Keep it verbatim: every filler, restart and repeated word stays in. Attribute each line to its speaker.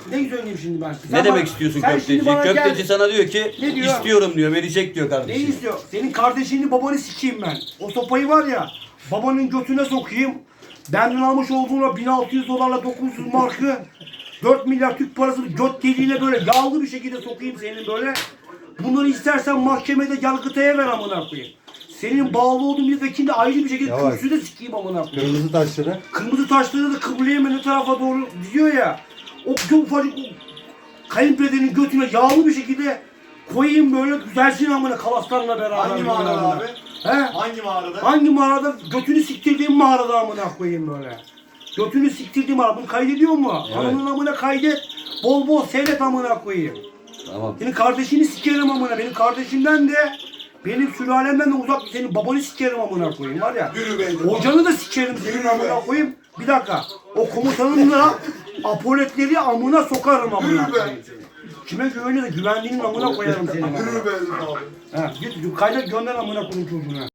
Speaker 1: Ne söyleyeyim şimdi ben? Sen
Speaker 2: Ne demek
Speaker 1: bana-
Speaker 2: istiyorsun
Speaker 1: sen
Speaker 2: köfteci?
Speaker 1: şimdi bana
Speaker 2: Köfteci
Speaker 1: gel-
Speaker 2: sana diyor ki
Speaker 1: Ne diyor?
Speaker 2: istiyorum diyor, verecek diyor
Speaker 1: Ne
Speaker 2: kardeşim.
Speaker 1: istiyor? Senin kardeşini babanı sikeyim ben. O sopayı var ya, babanın götüne sokayım. Benden almış olduğuna bin altı yüz dolarla dokuz yüz markı, dört milyar Türk parası göt deliğine böyle yağlı bir şekilde sokayım senin böyle. Bunları istersen mahkemede yargıtaya ver amına koyayım. Senin bağlı olduğun bir vekilde ayrı bir şekilde
Speaker 3: Yavaş.
Speaker 1: kürsüde sikeyim amına koyayım.
Speaker 3: Kırmızı taşları.
Speaker 1: Kırmızı taşları da kıbleye mi ne tarafa doğru gidiyor ya. O çok ufacık o kayınpederin götüne yağlı bir şekilde koyayım böyle güzelsin amına kalaslarla beraber.
Speaker 4: Hangi mağarada
Speaker 1: amına.
Speaker 4: abi?
Speaker 1: He?
Speaker 4: Hangi mağarada?
Speaker 1: Hangi mağarada? Götünü siktirdiğim mağarada amına koyayım böyle. Götünü siktirdiğim mağarada. Bunu kaydediyor mu?
Speaker 2: Evet.
Speaker 1: Ananın amına kaydet. Bol bol seyret amına koyayım.
Speaker 2: Tamam.
Speaker 1: Senin kardeşini sikerim amına. Benim kardeşimden de benim sülalemden de uzak senin babanı sikerim amına koyayım var ya.
Speaker 4: Yürü be.
Speaker 1: Hocanı da sikerim senin amına koyayım. Bir dakika. O komutanın da apoletleri amına sokarım amına
Speaker 4: Yürü be.
Speaker 1: koyayım seni. Kime güveniyor da güvenliğinin amına koyarım seni.
Speaker 4: Yürü be abi.
Speaker 1: Ha, git kaydet gönder amına koyayım çocuğuna.